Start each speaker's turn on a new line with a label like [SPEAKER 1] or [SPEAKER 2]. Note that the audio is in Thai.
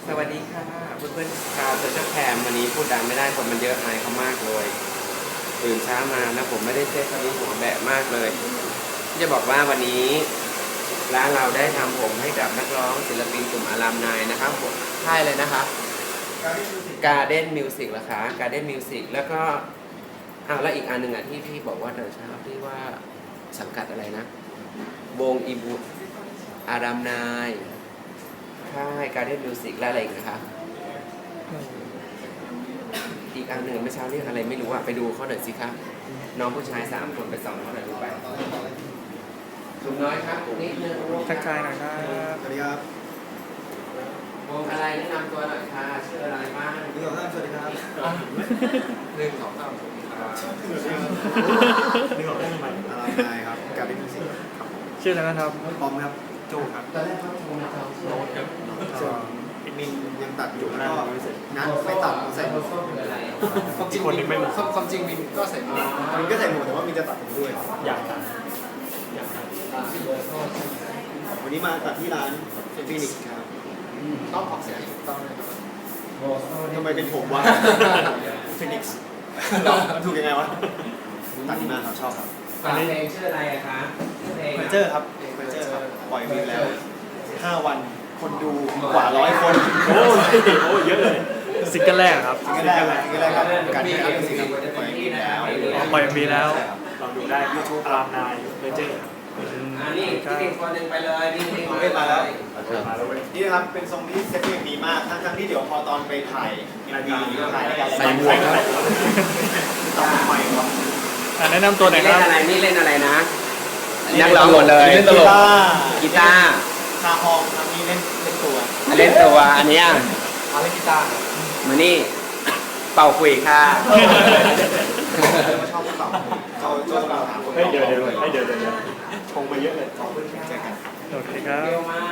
[SPEAKER 1] สวัสดีค่ะเพื่อนๆชาวโซเชียลแคมวันนี้พูดดังไม่ได้คนมันเยอะอายเขามากเลยตื่นเช้ามานะผมไม่ได้เซ็ตตอนนี้หัวแบะมากเลยจะบอกว่าวันนี้ร้านเราได้ทำผมให้กับนักร้องศิลปินกลุ่มอารามนายนะครับผมค่ายเลยนะคะ Garden Music เหรอคะ Garden Music แล้วก็แล้วอีกอันหนึ่งที่พี่บอกว่าเดินเช้าที่ว่าสังกัดอะไรนะวงอีบูอารามนายค่าย Garden Music และอะไรอีกนะคะอีกอันหนึ่งเมื่อเช้าเรียกอะไรไม่รู้ไปดูเขาหน่อยสิครับน้องผู้ชาย3 คนไปส่องเขาหน่อยดูไปถุงน้อยครับนิดนึง
[SPEAKER 2] ทักทายหน่อยครับ
[SPEAKER 3] สวัสดีครับ
[SPEAKER 1] วงอะไรแนะนำตัวหน่อยค่ะชื่ออะไรบ้าง
[SPEAKER 3] สวัสดีครับ
[SPEAKER 1] 1 2 3สวัสดีครับ
[SPEAKER 3] นี่บอกได้ทำไมอะไรครับการเป็นมิวสิกครับ
[SPEAKER 2] ชื่ออะไรนะครับ
[SPEAKER 3] ปอมครับโจครับ
[SPEAKER 1] ตอนแรกเขาโทรมาจองโน้ตครับ
[SPEAKER 3] ส่วนมินยังตัดอยู่แล้วก็นัดไม่ตัดใส่หมวก
[SPEAKER 2] ความจริงมินไม่
[SPEAKER 3] ความจริงมินก็ใส่หมวกมินก็ใส่หมวกแต่ว่ามินจะตัดผมด้วย
[SPEAKER 2] อยากตัด
[SPEAKER 3] วันนี้มาตัดที่ร้านฟินิกส์ครับ
[SPEAKER 1] ต้องออกเสียงต้องเลย
[SPEAKER 3] ทำไมเป็นผมวะฟินิกส์ถูกยังไงวะตัดที่มาครับชอบครับ
[SPEAKER 1] ฝากเพลงชื่ออะไรคะ
[SPEAKER 3] เพอร์เจอร์ครับเพอร์เจอร์ครับปล่อยเพลงแล้ว5 วันคนดูกว่า100 คน
[SPEAKER 2] โอ้เยอะเลยซิงเกิลแรกครับ
[SPEAKER 3] ซิงเกิลแรกครับการที่มิวสิกปล่อยเพลงแล้ว
[SPEAKER 2] ปล่อยมีแล้วลองดูได้ยูทูบอารามนายเพอร์เจอร์
[SPEAKER 1] นี่อีกคนหนึ่งไปเลยนี่
[SPEAKER 3] มาแล้วนี่นะครับเป็นทรงที่เซ็ตเพลงดีมากทั้งที่เดี๋ยวพอตอนไปถ่ายรายการ
[SPEAKER 2] ใส่หมวก
[SPEAKER 3] ตัดใหม่ครับ
[SPEAKER 2] แนะนำตัวหน่อยครับ
[SPEAKER 1] นี่เล่นอะไรนะนักร้องหมดเลย
[SPEAKER 2] เล่นตลก
[SPEAKER 1] กีตาร์
[SPEAKER 3] คาฮองครับนี่เล่นตัว
[SPEAKER 1] อันนี้
[SPEAKER 3] เล่นกีตาร์
[SPEAKER 1] มานี่เป่าคุยค่ะ
[SPEAKER 3] ชอบเป่าเขาถามคน
[SPEAKER 2] เดี๋ยวชงไปเยอะเลย
[SPEAKER 3] เจอกัน
[SPEAKER 2] โอเคครับ